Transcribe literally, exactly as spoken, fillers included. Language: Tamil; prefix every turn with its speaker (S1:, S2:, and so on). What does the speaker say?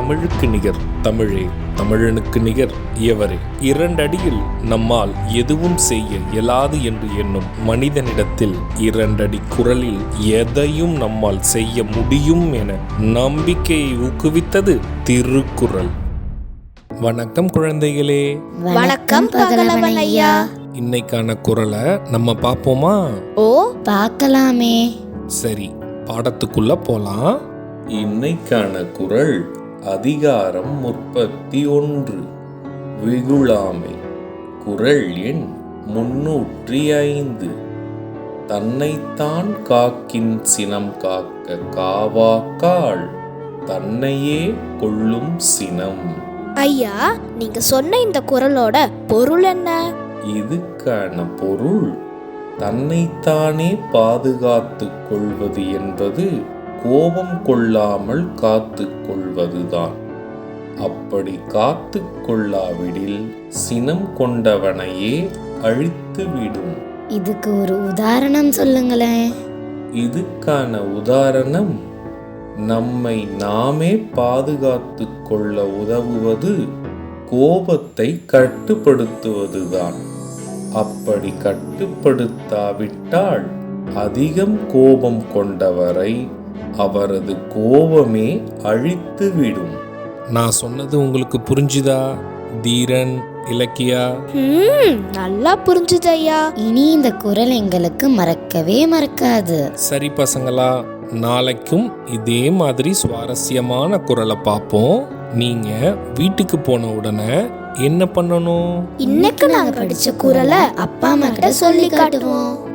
S1: தமிழுக்கு நிகர் தமிழே, தமிழனுக்கு நிகர் எவரே. இரண்டடியில் நம்மால் எதுவும் செய்ய இயலாது என்று எண்ணும் மனிதனிடத்தில் இரண்டடி குரலில் எதையும் நம்மால் செய்ய முடியும் என நம்பிக்கையை ஊக்குவித்தது திருக்குறள். வணக்கம் குழந்தைகளே.
S2: வணக்கம் பகலவன் ஐயா.
S1: இன்னைக்கான குறளை நம்ம பார்ப்போமா?
S2: ஓ, பார்க்கலாமே.
S1: சரி, பாடத்துக்குள்ள போலாம். இன்னைக்கான குறள் அதிகாரம் முப்பத்தி ஒன்று, வெகுளாமை. குறள் எண் முன்னூற்றி ஐந்து. தன்னைத்தான் காக்கின் சினம் காக்க காவாக்கால் தன்னையே கொள்ளும் சினம்.
S2: ஐயா, நீங்க சொன்ன இந்த குறளோட பொருள் என்ன?
S1: இதுக்கான பொருள், தன்னைத்தானே பாதுகாத்து கொள்வது என்பது கோபம் கொள்ளாமல் காத்து கொள்வதுதான். அப்படி காத்து கொள்ளாவிடில் சினம் கொண்டவனையே அழித்து விடும்.
S2: இதுக்கு ஒரு உதாரணம் சொல்லுங்களேன்.
S1: இதுக்கான உதாரணம், நம்மை நாமே பாதுகாத்து கொள்ள உதவுவது கோபத்தை கட்டுப்படுத்துவதுதான். அப்படி கட்டுப்படுத்தாவிட்டால் அதிகம் கோபம் கொண்டவரை அவரது கோபமே அழித்துவிடும். நான் சொன்னது உங்களுக்கு புரிஞ்சுதா தீரன், இலக்கியா?
S2: நல்லா புரிஞ்சுது ஐயா. இனி இந்த குறள் எங்களுக்கு மறக்கவே மறக்காது.
S1: சரி பசங்களா, நாளைக்கும் இதே மாதிரி சுவாரஸ்யமான குறளை பார்ப்போம். நீங்க வீட்டுக்கு போன உடனே என்ன பண்ணணும்?
S2: இன்னைக்கு நாங்க படிச்ச குறளை அப்பா அம்மா கிட்ட சொல்லி காட்டுவோம்.